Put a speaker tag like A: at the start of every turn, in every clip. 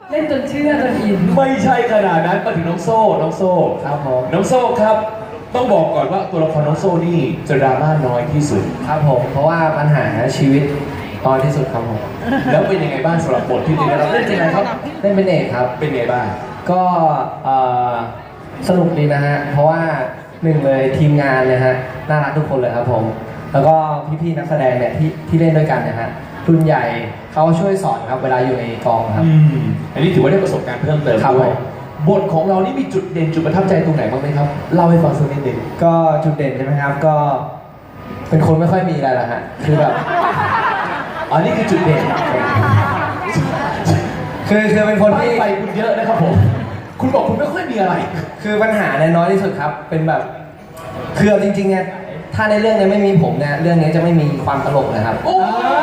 A: เล่นจนเชื่อจนอิน
B: ไม่ใช่ขนาดนั้นมาถึงน้องโซ่
C: ครับผม
B: น้องโซ่ครับต้องบอกก่อนว่าตัวละครน้องโซ่นี่จะดราม่าน้อยที่สุด
C: ครับผมเพราะว่าปัญหาชีวิตตอนที่สุดครับผม
B: แล้วเป็นยังไงบ้างสำหรับบทที่ได้รับเล่นเป็นไงครับ
C: เล่นเป็นเอกครับ
B: เป็นไงบ้าง
C: ก็สนุกดีนะฮะเพราะว่าหนึ่งเลยทีมงานเลยฮะน่ารักทุกคนเลยครับผมแล้วก็พี่ๆนักแสดงเนี่ยที่เล่นด้วยกันนะฮะรุ่นใหญ่เขาช่วยสอนครับเวลาอยู่ในกองครับ
B: อันนี้ถือว่าได้ประสบการณ์เพิ่มเติม
C: ครับ
B: ด้วยบทของเรานี่มีจุดเด่นจุดประทับใจตรงไหนบ้างไหมครับเล่าให้ฟังสักนิดหนึ่ง
C: ก็จุดเด่นใช่ไหมครับก็เป็นคนไม่ค่อยมีอะไรละฮะคือแบบ
B: อันนี้คือจุดเด่น
C: คือเป็นคนที่
B: ไปคุณเยอะนะครับผมคุณบอกคุณไม่ค่อยมีอะไร
C: คือปัญหาเนี่ยน้อยที่สุดครับเป็นแบบคือเอาจริงๆเนี่ยถ้าในเรื่องเนี้ไม่มีผมเนี่ยเรื่องนี้จะไม่มีความตลกเลยครับ
B: โอ้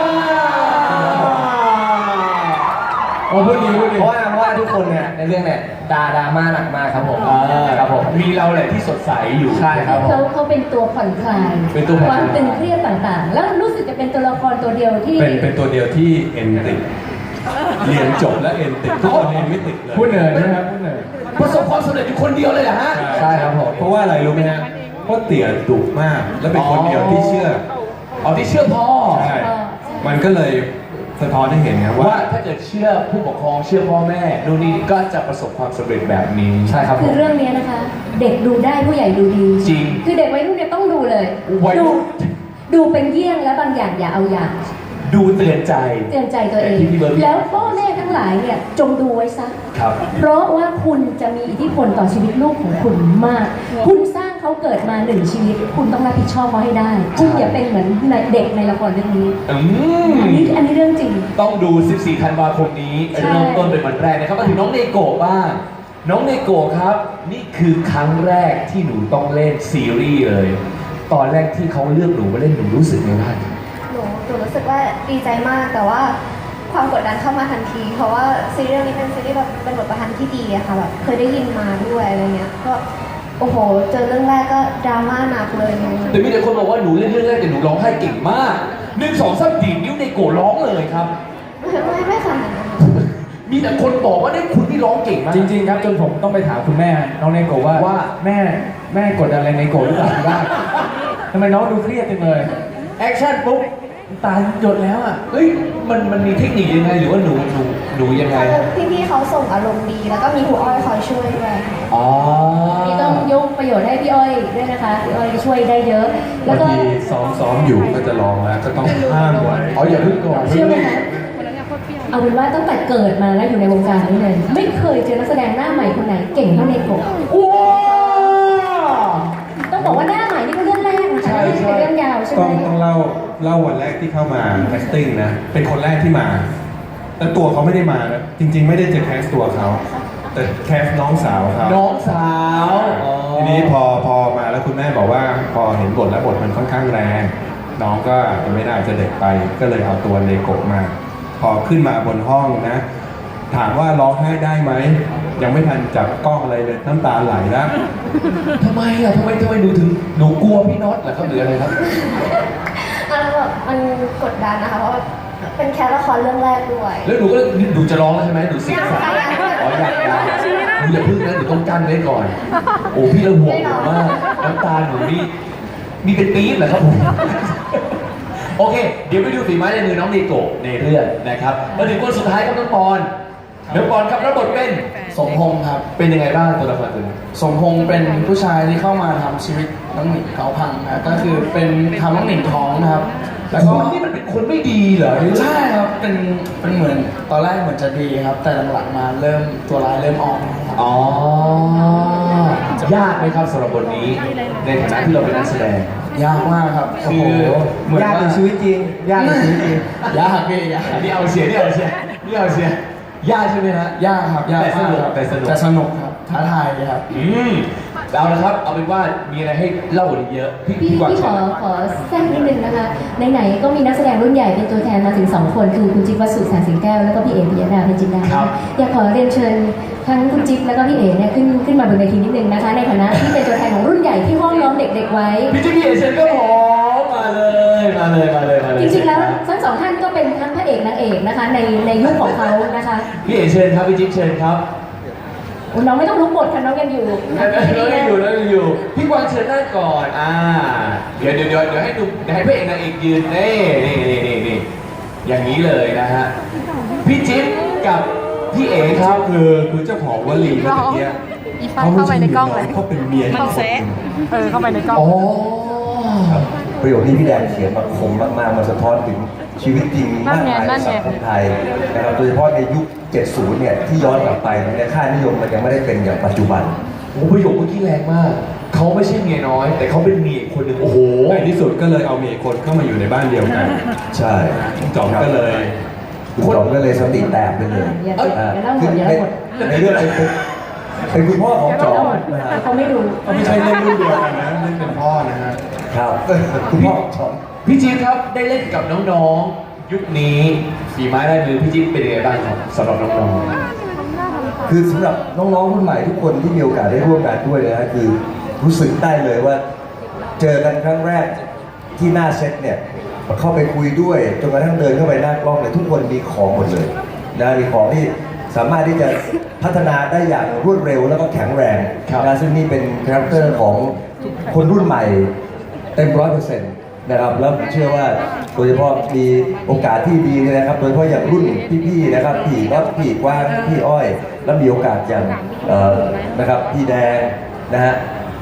B: พูดดีพูดดี
C: เพราะว่าทุกคนเนี่ยในเรื่องเนี่ยดราม่าหนักมากครับผมครับผม
B: มีเราแหละที่สดใสอยู่
C: ใช่ครับผม
A: เขาเป็นตัวผ่อนคลาย
B: เป็นตัวผ่อนคลาย
A: ความตึงเครียดต่างๆ แล้วรู้สึกจะเป็นตัวละครตัวเดียวที่
D: เป็นตัวเดียวที่เอ็นติดเรียนจบแล้วเอ็นติดทุกคนเอ็นไม่ติดเลย
B: พูดเหนื่อยนะครับพูดเหนื่อยประสบความสำเร็จอยู่คนเดียวเลยเหรอฮะ
C: ใช่ครับผม
D: เพราะว่าอะไรรู้ไหมฮะเพราะเตี่ยดุมาก และเป็นคนเดียวที่เชื่อ
B: อ๋อที่เชื่อพ่อ
D: ใช่มันก็เลยสะท้อนให้เห็นครับ
B: ว่า
D: ว่า
B: ถ้าเกิดเชื่อผู้ปกครองเชื่อพ่อแม่ดูนนี่ก็จะประสบความสำเร็จแบบนี้
C: ใช่ครับผ
A: คือ
C: ม
A: เรื่องนี้นะคะ เด็กดูได้ผู้ใหญ่ดูดี
B: จริง
A: คือเด็กวัยรุ่นเนี่ยต้องดูเลย
B: วัยรุ่น
A: ดูเป็นเยี่ยงและบางอย่างอย่าเอาอย่าง
B: ดูเตือนใจ
A: เตือนใจตัวเอง
B: แต่ที่พี่เบิร์ด
A: แล้วพ่อแม่ทั้งหลายเนี่ยจงดูไว้ซะ
B: ครับ
A: เพราะว่าคุณจะมีอิทธิพลต่อชีวิตลูกของคุณมาก คุณสร้างเขาเกิดมาหนึ่งชีวิต คุณต้องรับผิดชอบเขาให้ได้ คุณอย่าเป็นเหมือนเด็กในละครเรื่องนี้
B: อื
A: อันนี้เรื่องจริง
B: ต้องดู 14 ธันวาคมนี้
A: ใช่
B: เริ่มต้นเป็นวันแรกนะครับมาถึงน้องเนโกะบ้าง น้องเนโกะครับ นี่คือครั้งแรกที่หนูต้องเล่นซีรีส์เลย ตอนแรกที่เขาเลือกหนูมาเล่นหนูรู้สึกไงบ้าง
E: หนูรู้สึกว่าดีใจมากแต่ว่าความกดดันเข้ามาทันที เพราะว่าซีรีส์เรื่องนี้เป็นซีรีส์แบบเป็นบทประพันธ์ที่ดีอะค่ะแบบเคยได้ยินมาด้วยอะไรเงี้ยก็โอ้โหเจอเรื่องแรกก็ดราม่าหนักเลย
B: แต่มีแต่คนบอกว่าหนูเล่นเรื่องแรกแต่หนูร้องไห้เก่งมาก1 2 3ดีดนิ้วเนโกะร้องเลยครับ
E: ไม่ขนาดนั้น
B: มีแต่คนบอกว่าได้คุณที่ร้องเก่งมาก
F: จริงๆครับจนผมต้องไปถามคุณแม่น้องเนโกะว่าแม่กดดันอะไรเนโกะหรือเปล่าที่บ้านทำไมน้องดูเครียดจังเลยแอคชั่นปุ๊บตาหยดแล้วอ่ะ
B: เฮ้ยมันมีเทคนิคยังไงหรือว่าหนูยังไงฮะ
E: พี่ๆเขาส่งอารมณ์ดี แล้วก็มีครูอ้อยคอยช่วยด้วย
B: อ๋อ
A: นี่ต้องยกประโยชน์ให้พี่อ้อยด้วยนะคะ พี่อ้อยช่วยได้เยอะ แล้
D: บาว ง
A: ก็
D: ทีซ้อมอยู่ก็จะร้องแล้วก็ต้องห้ามไว้
B: อ๋ออย่าเพิ่งก่อน
A: เชื่อไหมคะเอาเป็นว่าตั้งแต่เกิดมาแล้วอยู่ในวงการนี้เลย ไม่เคยเจอนักแสดงหน้าใหม่คนไหนเก่งเท่าเนโกะ
B: ว้า
A: ต้องบอกว่าหน้าใหม่นี่ก็เรื่องแรกนะคะไม่ใช่เป็นเรื่องยาวใช่ไหม
D: ต้องเล่าวันแรกที่เข้ามาแคสติ้งนะ เป็นคนแรกที่มา แต่ตัวเขาไม่ได้มานะจริง ๆ ไม่ได้จะแคสตัวเขาแต่แคสน้องสาวเขา
B: น้องสาวอ๋อ
D: ทีนี้พอมาแล้วคุณแม่บอกว่าพอเห็นบทแล้วบทมันค่อนข้างแรง น้องก็ไม่น่าจะเด็กไป ก็เลยเอาตัวเลโกะมา พอขึ้นมาบนห้องนะ ถามว่าร้องไห้ได้ไหมยังไม่ทันจับกล้องอะไรเลยน้ำตาไหลแล้ว
B: ทำไมอ่ะทำไมหนูกลัวพี่น็อตเหรอครับหรืออะไรครับ
E: แบบมันกดดันนะคะเพราะว่าเป็นแค่ละครเรื่องแรกด้วย
B: แล้วหนูจะร้องแล้วใช่ไหมหนูเสียงสั่น
E: ยัง
B: อ๋ออยากหนูอย่าพึ่งนะหนูต้องกั้นไว้ก่อน โอ้พี่เราห่วงหนูมากน้ำตาหนูนี่มีเป็นปี๊บเหรอครับผม โอเค เดี๋ยวไปดูฝีไม้ลายมือน้องเนโกะในเรื่องนะครับมาถึงคนสุดท้ายครับน้องปอนน้องปอนครับรับบทเป็น
G: สมพงษ์ครับ
B: เป็นยังไงบ้างตัวละครตัวนี้
G: สมพงษ์เป็นผู้ชายที่เข้ามาทำชีวิตน้องหนิงเขาพังนะก็คือเป็นทำน้องหนิงท้องนะครับ แล้วก็
B: คุณนี่มันเป็นคนไม่ดีเหรอ
G: ใช่ครับเป็นเหมือนตอนแรกเหมือนจะดีครับ แต่หลังๆมาเริ่มตัวร้ายเริ่มออกนะครับ
B: อ๋อยากไหมครับสำหรับบทนี้ ในฐานะที่เราเป็นนักแสดง
G: ยากมากครับ
B: โอ้
G: คื
B: โห
G: อเหมือน
C: ยากใน
G: ว่า
C: ชีวิตจริงยากในชีวิตจริง
G: ยากพี่ยาก
B: อันนี้เอาเสียนี่เอาเสียนี่เอาเสียยากใช่ไหมฮะ
G: ยากครับยากมากครับ
B: แต่สนุก
G: แต่สนุกครับท้าทายเลยครับ
B: เอาละครับ เอาเป็นว่ามีอะไรให้เล่าอีกเยอะ
A: พี่
B: กวาง
A: ข
B: เชิ
A: อ
B: ญ
A: แทรกนิดนึงนะคะไหนๆก็มีนักแสดงรุ่นใหญ่เป็นตัวแทนมาถึง 2 คน คือคุณจิ๊บวสุแสงสิงแก้วแล้วก็พี่เอ๋ปิยดาเพชรจินดาอยากขอเรียนเชิญทั้งคุณจิ๊บแล้วก็พี่เอ๋เนี่ยขึ้นมาบนเวทีนิดนึงนะคะ ในฐานะที่เป็นตัวแทนของรุ่นใหญ่ที่ห้อมล้อมเด็กๆไว้
B: พี่จิ๊กพี่เอเชนก็พร้อมมาเลย
A: จริงๆแล้วทั้งสองท่านก็เป็นทั้งพระเอกนางเอกนะคะในยุคของเขานะคะ
B: พี่เอ๋เชิญครับพี่จิ๊บเชิญครับ
A: น้องไม่ต้องลุกบทค่ะน้องยังอยู่
B: เรายังอยู่พี่กวางเชิญนั่งก่อนเดี๋ยวให้ดูเดี๋ยวให้พระเอกนางเอกยืนนี่อย่างนี้เลยนะฮะพี่จิ๊บกับพี่เอ๋ครับ
D: คือเจ้าของวลีเมื่อกี้เขาไม่ใช่เมียน้อยเขาเป็นเมียที่คนหนึ่ง
H: เข้าไปในกล้อง
B: อ๋อ
I: ประโยคที่พี่แดงเขียนมาคมมากๆมันสะท้อนถึงชีวิตจริงมากมายในสังคมไทยนะครับโดยเฉพาะในยุค 70 เนี่ยที่ย้อนกลับไปเนี่ยค่านิยมมันยังไม่ได้เป็นอย่างปัจจุบัน
B: โอ้ประโยคเมื่อกี้แรงมาก เขาไม่ใช่เมียน้อย แต่เขาเป็นเมียอีกคนหนึ่งโอ้โห
D: ในที่สุดก็เลยเอาเมียคนเข้ามาอยู่ในบ้านเดียวกัน
I: ใช่
D: จอมก็เลย
I: คุณจอมก็เลยสติแตกไปเลย
A: อย่าเล่าหมดอย่า
I: ใน
A: เล่าหมด
I: ในเรื่องเป็นคุณพ่อของจอมนะฮะ
A: เขาไม่ดู
D: ก็ไม่ใช่เล่นรุ่นเดียวกันนะเล่นเป็นพ่อนะฮะ
I: ครับคุณพ่อของจอม
B: พี่จิ๊บครับได้เล่นกับน้องๆ ยุคนี้ฝีไม้ลายมือพี่จิ๊บเป็นยังไงบ้างครับสำหรับน้อง
I: คือสำหรับน้องๆรุ่นใหม่ทุกคนที่มีโอกาสได้ร่วมงานด้วยนะฮะคือรู้สึกได้เลยว่า เจอกันครั้งแรกที่หน้าเซตเนี่ยเข้าไปคุยด้วยจนกระทั่งเดินเข้าไปหน้ากล้องเนี่ยทุกคนมีของหมดเลยนะมีของที่สามารถที่จะพัฒนาได้อย่างรวดเร็วแล้วก็แข็งแรงนะซึ่งนี่เป็นคาแรคเตอร์ของคนรุ่นใหม่เต็ม100%นะครับแล้วผมเชื่อว่าโดยเฉพาะมีโอกาสที่ดีเลยนะครับโดยเฉพาะอย่างรุ่นพี่ๆนะครับพี่น็อตพี่กว้างพี่อ้อย แล้วมีโอกาสอย่างนะครับพี่แดงนะฮะ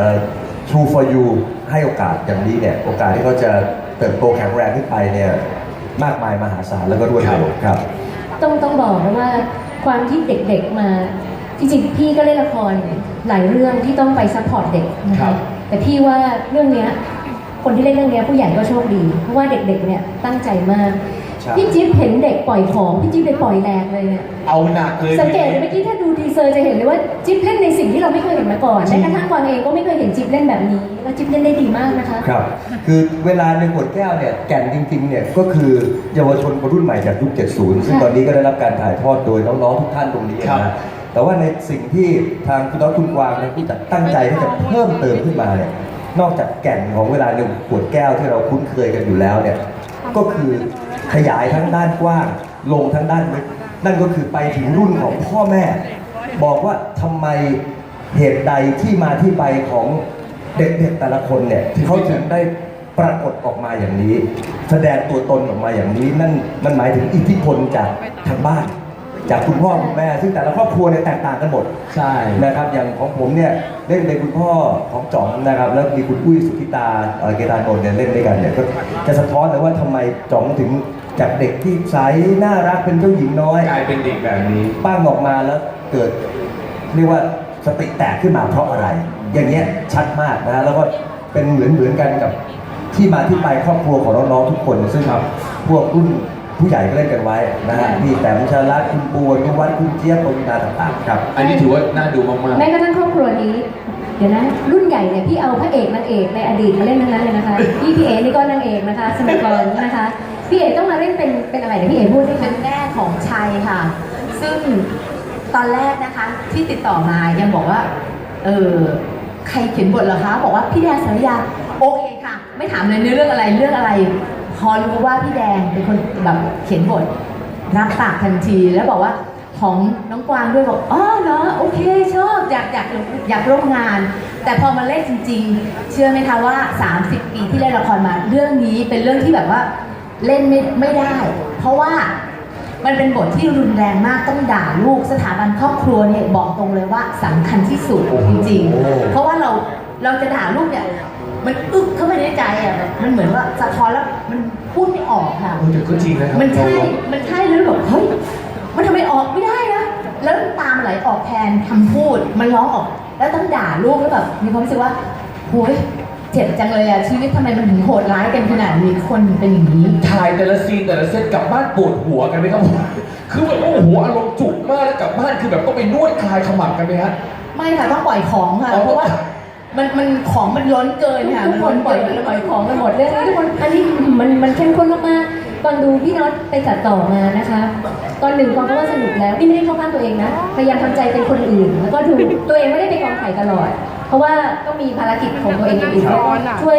I: True for You ให้โอกาสอย่างนี้เนี่ยโอกาสที่เขาจะเติบโตแข็งแรงขึ้นไปเนี่ยมากมายมหาศาลแล้วก็รวดเร็วครับ
A: ต้องบอกนะว่าความที่เด็กๆมาจริงๆพี่ก็เล่นละครหลายเรื่องที่ต้องไปซัพพอร์ตเด็กนะคะแต่พี่ว่าเรื่องเนี้ยคนที่เล่นเรื่องเนี้ยผู้ใหญ่ก็โชคดีเพราะว่าเด็กๆเนี่ยตั้งใจมาก
I: ใช่
A: พี่จิ๊บเห็นเด็กปล่อยของพี่จิ๊บไปปล่อยแรงเลยเนี่ย
B: ๆ เอาหนักเลย
A: สังเกตเมื่อกี้ถ้าดูทีเซอร์จะเห็นเลยว่าจิ๊บเล่นในสิ่งที่เราไม่เคยเห็นมาก่อนแม้กระทั่งกวางเองก็ไม่เคยเห็นจิ๊บเล่นแบบนี้แล้วจิ๊บเล่นได้ดีมากนะคะ
I: ครับ คือเวลาในขวดแก้วเนี่ยแก่นจริงๆเนี่ยก็คือเยาวชนคนรุ่นใหม่จากยุค 70 ซึ่งตอนนี้ก็ได้รับการถ่ายทอดโดยน้องๆทุกท่านตรงนี้นะแต่ว่าในสิ่งที่ทางคุณน้องคุณกวางและผู้จัดตั้งใจที่จะเพิ่มเติมขึ้นมาเนี่ยนอกจากแก่นของเวลาในขวดแก้วที่เราคุ้นเคยกันอยู่แล้วเนี่ยก็คือขยายทั้งด้านกว้างลงทั้งด้านลึกนั่นก็คือไปถึงรุ่นของพ่อแม่ บอกว่าทำไมเหตุใดที่มาที่ไปของเด็กๆแต่ละคนเนี่ยเขาถึงได้ปรากฏออกมาอย่างนี้ แสดงตัวตนออกมาอย่างนี้นั่นมันหมายถึงอิทธิพลจากทางบ้าน จากคุณพ่อคุณแม่ ซึ่งแต่ละครอบครัวเนี่ยแตกต่างกันหมด
B: ใช่
I: นะครับอย่างของผมเนี่ยเล่นเป็นคุณพ่อของจ๋องนะครับแล้วมีคุณอุ้ยสุธิตาเกตานนท์เนี่ยเล่นด้วยกันเนี่ยก็จะสะท้อนเลยว่าทำไมจ๋องถึงจากเด็กที่ใสน่ารักเป็นเจ้าหญิงน้อย
B: กลายเป็นเด็กแบบนี้
I: ปั้งออกมาแล้วเกิดเรียกว่าสติแตกขึ้นมาเพราะอะไร อย่างเงี้ยชัดมากนะแล้วก็เป็นเหมือนกันกับที่มาที่ไปครอบครัวของน้องๆทุกคนซึ่งพวกรุ่นผู้ใหญ่ก็เล่นกันไว้นะฮะพี่แต้มชาลัดคุณปูนุวัฒน์คุณเจี๊ยบปวินาต่างๆครับ
B: อันนี้ถือว่าน่าดูมาก
A: แม้กระทั่งครอบครัวนี้ เดี๋ยวนะรุ่นใหญ่เนี่ยพี่เอาพระเอกนางเอกในอดีตมาเล่นทั้งนั้นเลยนะคะพี่เอ๋นี่ก็นางเอกนะคะสมัยก่อนนะคะพี่เอ๋ต้องมาเล่นเป็นอะไรเดี๋ยวพี่เอ๋พูดได้ไหม
H: เป็นแม่ของชัยค่ะ ซึ่งตอนแรกนะคะที่ติดต่อมายังบอกว่าใครเขียนบทเหรอคะบอกว่าพี่แดงสรยาโอเคค่ะ ไม่ถามเลยเรื่องอะไร พอรู้ว่าพี่แดงเป็นคนแบบเขียนบทรับปากทันทีแล้วบอกว่าของน้องกวางด้วยบอกอ๋อเหรอโอเคชอบอยากร่วมงาน แต่พอมาเล่นจริงๆ เชื่อไหมคะว่า 30 ปีที่เล่นละครมาเรื่องนี้เป็นเรื่องที่แบบว่าเล่นไม่ได้ เพราะว่ามันเป็นบทที่รุนแรงมากต้องด่าลูกสถาบันครอบครัวเนี่ยบอกตรงเลยว่าสำคัญที่สุดจริงๆเพราะว่าเราจะด่าลูกเนี่ยมันอึกเข้าไปในใจอ่ะมันเหมือนว่าสะท้อนแล้วมันพูดไม่ออกค่ะ
B: ๆแต่ก็จริงนะครับ
H: มันใช่แล้วแบบเฮ้ยมันทำไมออกไม่ได้นะแล้วน้ำตามไหลออกแทนคำพูดมันร้องออกแล้วต้องด่าลูกแล้วแบบมีความรู้สึกว่าโหยเจ็บจังเลยอะชีวิตทำไมมันถึงโหดร้ายกันขนาดนี้คนเป็นอย่างนี้
B: ถ่ายแต่ละซีนแต่ละเซตกลับบ้านปวดหัวกันไหมครับผมคือแบบโอ้โหอารมณ์จุกมากแล้วกลับบ้านคือแบบก็ไปนวดคลายขมับกันไหมฮะ
H: ไม่ค่ะต้องปล่อยของค่ะ
B: อ๋อ
H: เพราะว่ามันของมันล้นเกินค่ะ
A: ทุกคนปล่อยของกันหมดเรื่องนี้ทุกคนอันนี้มันเข้มข้นมากๆตอนดูพี่น็อตไปตัดต่อมานะคะตอนหนึ่งความก็ว่าสนุกแล้วนี่ไม่ได้เข้าข้างตัวเองนะพยายามทำใจเป็นคนอื่น แล้วก็ดูตัวเองไม่ได้ไปกองถ่ายตลอด เพราะว่าต้องมีภารกิจของตัวเองอย่างอื่นช่วย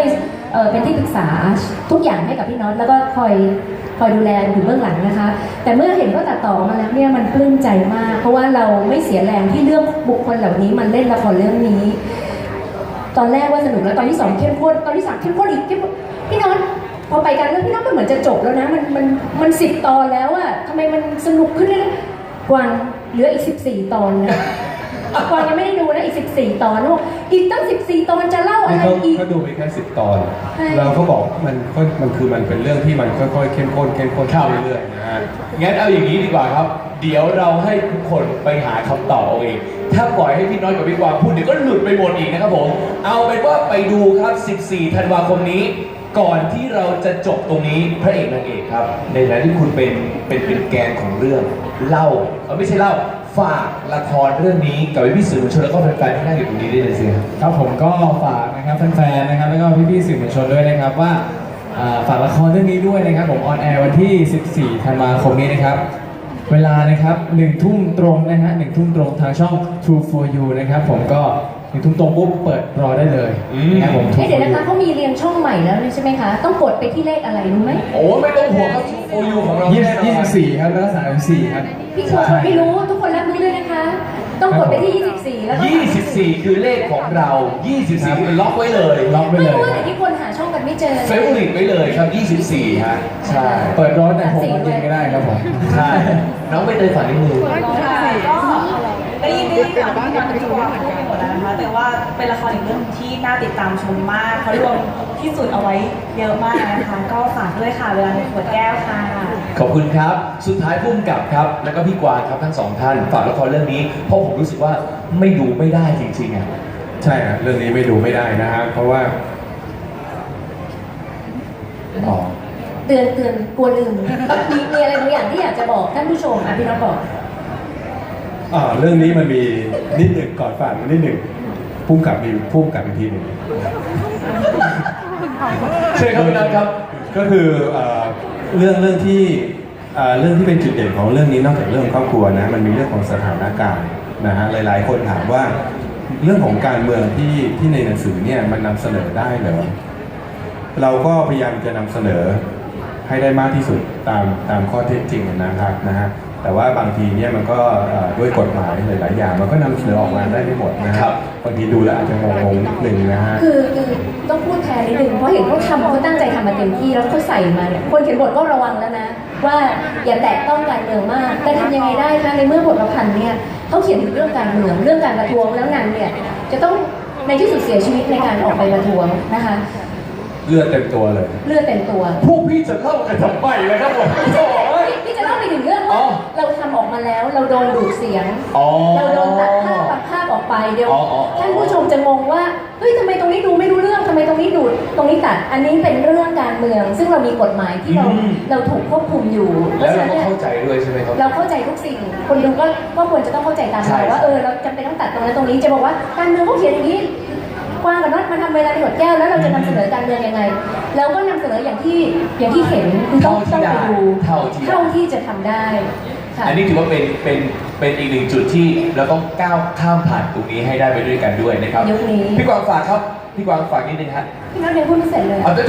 A: เป็นที่ปรึกษาทุกอย่างให้กับพี่น็อตแล้วก็คอยดูแลอยู่เบื้องหลังนะคะ แต่เมื่อเห็นว่าตัดต่อมาแล้วเนี่ยมันปลื้มใจมาก เพราะว่าเราไม่เสียแรงที่เลือกบุคคลเหล่านี้มันเล่นละครเรื่องนี้ ตอนแรกว่าสนุกแล้วตอนที่ 2เข้มข้นตอนที่ 3เข้มข้นอีกพี่น็อตพอไปกันเรื่องพี่น็อตมันเหมือนจะจบแล้วนะมัน10 ตอนแล้วอะทำไมมันสนุกขึ้นเลยกวางเหลืออีก14 ตอนนะกวางยังไม่ได้ดูนะอีก14 ตอนลูกอีกตั้ง14 ตอนจะเล่าอะไรอีก
D: เขาดูไปแค่10 ตอน
A: ใช่
D: เราก็บอกมันคือมันเป็นเรื่องที่มันค่อยๆเข้มข้นเรื่อยๆนะฮะ
B: งั้นเอาอย่างนี้ดีกว่าครับ เดี๋ยวเราให้ทุกคนไปหาคำตอบเอาเอง ถ้าปล่อยให้พี่น้อยกับพี่กวางพูดเดี๋ยวก็หลุดไปหมดอีกนะครับผม เอาเป็นว่าไปดูครับ 14 ธันวาคมนี้ ก่อนที่เราจะจบตรงนี้พระเอกนางเอกครับ ในฐานะที่คุณเป็นแกนของเรื่องเล่าไม่ใช่เล่าฝากละครเรื่องนี้กับพี่ๆสื่อมวลชนแล้วก็แฟนๆที่นั่งอยู่ตรงนี้ได้เลยสิครับ
F: ครับผมก็ฝากนะครับแฟนๆนะครับแล้วก็พี่ๆสื่อมวลชนด้วยนะครับว่าฝากละครเรื่องนี้ด้วยนะครับผมออนแอร์วันที่ 14 ธันวาคมนี้นะครับเวลานะครับ1 ทุ่มตรงนะฮะ1 ทุ่มตรงทางช่อง True for You นะครับผมก็1 ทุ่มตรงปุ๊บเปิดรอได้เลยนะครับผม True
A: เดี๋ยว
F: for
A: นะคะ
F: You
A: เขามีเรียงช่องใหม่แล้วใช่ไหมคะต้องกดไปที่เลขอะไรรู้ไหม
B: โอ้ไม่ต้องห่วงครับโอยูของเราแน่นอน
F: 24 ครับแล้วก็34 ครับ
A: พี่กวางไม่รู้ทุกคนรับรู้ด้วยนะคะ ต้องกดไปที่ 24 แล้วก็
B: 24 คือเลขของเรา 24 คือล็อกไว้เลย
F: ล็อกไว้
A: ไม่
F: เลย
A: รู้ว่าแต่ที่คนหาช่องกันไม่เจอ
B: เฟเวอริตไว้เลยครับ 24 ฮะ ใช่
F: เปิดรถแต่6 โมงเย็นก็ได้ครับผม
B: ใช่ น้องไม่เตยฝันนิดนึง
J: ค่ะก็ได้ยินข่าวที่การเป็นตัวพูดไปหมดแล้วนะคะ แต่ว่าเป็นละครอีกเรื่องที่น่าติดตามชมมากเขารวมที่สุดเอาไว้เยอะมากนะคะ ก็ฝากด้วยค่ะเวลาในขวดแก้วค่ะ
B: ขอบคุณครับ สุดท้ายพุ่มกับครับ แล้วก็พี่กวางครับทั้งสองท่าน ฝากละครเรื่องนี้ เพราะผมรู้สึกว่าไม่ดูไม่ได้จริงๆอ่ะ
D: ใช่ฮะเรื่องนี้ไม่ดูไม่ได้นะฮะเพราะว่า
B: อ๋อ
A: เตือนกลัวลืมมีอะไรบางอย่างที่อยากจะบอกท่านผู้ชมอ่ะพี่น้องบอก
D: เรื่องนี้มันมีนิดหนึ่งก่อนฝากนิดหนึ่งพุ่มกับอีกทีหนึ่ง
B: เชิญครับพี่นัทครับ
D: ก็คือเรื่องที่เป็นจุดเด่นของเรื่องนี้นอกจากเรื่องครอบครัวนะมันมีเรื่องของสถานการณ์นะฮะหลายๆ คนถามว่าเรื่องของการเมืองที่ในหนังสือเนี่ยมันนำเสนอได้เหรอเราก็พยายามจะนำเสนอให้ได้มากที่สุดตามข้อเท็จจริงนะครับนะฮะแต่ว่าบางทีเนี่ยมันก็ด้วยกฎหมายหลายๆอย่างมันก็นำเสนอออกมาได้ไม่หมดนะครับบางทีดูแล้วอาจจะงงๆนิดนึงนะฮะ
A: คือต้องพูดแทนนิดนึงเพราะเห็นเขาตั้งใจทำมาเต็มที่แล้วเขาใส่มาเนี่ยคนเขียนบทก็ระวังแล้วนะ ว่าอย่าแตะต้องการเมืองมากแต่ทำยังไงได้คะในเมื่อบทประพันธ์เนี่ยเขาเขียนถึงเรื่องการเมืองเรื่องการประท้วงแล้วนางเนี่ยจะต้องในที่สุดเสียชีวิตในการออกไปประท้วงนะคะ
D: เลือดเต็มตัวเลย
A: เลือดเต็มตัว
B: พวกพี่จะเล่ากันทำไมเลยครับผม
A: พี่จะเล่าไปถึงเรื่อง
B: อ๋
A: ว่า
B: อ
A: เราทำออกมาแล้วเราโดนดูดเสียง
B: อ๋อ
A: เราโดนตัดภาพออกไปเดี๋ยว
B: อ๋ออ๋อ
A: ท่านผู้ชมจะงงว่าเฮ้ยทำไมตรงนี้ดูไม่รู้เรื่องทำไมตรงนี้ดูดตรงนี้ตัดอันนี้เป็นเรื่องการเมือง ซึ่งเรามีกฎหมายที่เราถูกควบคุมอยู่เพ
B: แล้ว
A: ราะฉะ
B: เรา
A: นั้น
B: ก็
A: เนี่ย
B: เข้าใจด้วยใช่ไหมครับ
A: เราเข้าใจทุกสิ่ง คนดูก็ควรจะต้องเข้าใจตาม
B: ใช่
A: เราว่าเราจำเป็นต้องตัดตรงนั้นตรงนี้จะบอกว่าการเมืองเขาเขียนอย่างนี้กว้างกับน็อตมาทำเวลาในหดแก้วแล้วเราจะนำเสนอการเมืองยังไงเราก็นำเสนออย่างที่เห็นคือต้องไปดูเท่าที่จะทำได้ค่ะ
B: อันนี้ถือว่าเป็นอีกหนึ่งจุดที่เราต้องก้าวข้ามผ่านตรงนี้ให้ได้ไปด้วยกันด้วยนะครับ
A: ยุคนี้
B: พี่กวางฝากครับ พี่กวางฝากนิดนึงฮะ
A: พี่น็อตยังพูดไม่เสร็จเลย
B: เอาเดี๋ยว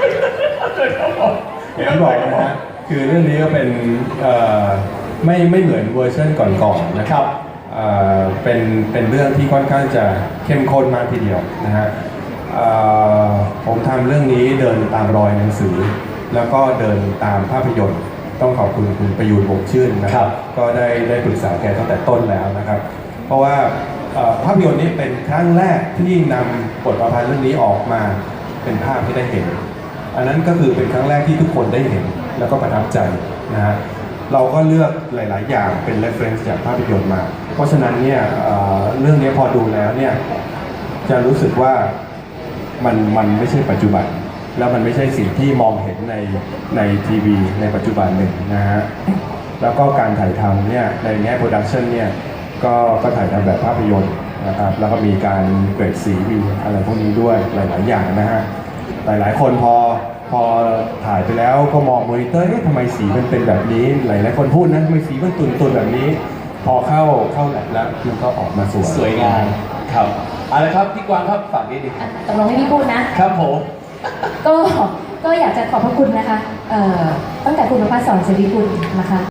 D: อย่างที่บอกนะฮะคือเรื่องนี้ก็เป็นไม่เหมือนเวอร์ชันก่อนๆนะครับเป็นเรื่องที่ค่อนข้างจะเข้มข้นมากทีเดียวนะฮะผมทำเรื่องนี้เดินตามรอยหนังสือ แล้วก็เดินตามภาพยนตร์ต้องขอบคุณคุณประยูรวงศ์ชื่นนะครับก็ได้ปรึกษาแกตั้งแต่ต้นแล้วนะครับ เพราะว่าภาพยนตร์นี้เป็นครั้งแรกที่นำบทประพันธ์เรื่องนี้ออกมาเป็นภาพที่ได้เห็น อันนั้นก็คือเป็นครั้งแรกที่ทุกคนได้เห็นแล้วก็ประทับใจนะฮะเราก็เลือกหลาย ๆ อย่างเป็น reference จากภาพยนตร์มา เพราะฉะนั้นเนี่ยเรื่องนี้พอดูแล้วเนี่ยจะรู้สึกว่ามันไม่ใช่ปัจจุบัน แล้วมันไม่ใช่สิ่งที่มองเห็นในทีวีในปัจจุบันหนึ่งนะฮะแล้วก็การถ่ายทำเนี่ยในแง่โปรดักชันเนี่ยก็ถ่ายทำแบบภาพยนตร์นะครับแล้วก็มีการเกรดสีมีอะไรพวกนี้ด้วยหลาย ๆ อย่างนะฮะหลาย ๆ คนพอถ่ายไปแล้วก็มองมอนิเตอร์ทำไมสีมันเป็นแบบนี้หลาย ๆ คนพูดนะทำไมสีมันตุนๆแบบนี้ พอเข้าแลบแล้วมันก็ออกมาสวย
B: สวยงามครับเอาละครับพี่กวางครับฝากนิดนึง
A: ตกลงให้พี่พูดนะ
B: ครับผม
A: ก็อยากจะขอบพระคุณนะคะตั้งแต่คุณประภาสสอนศิริกุลนะคะ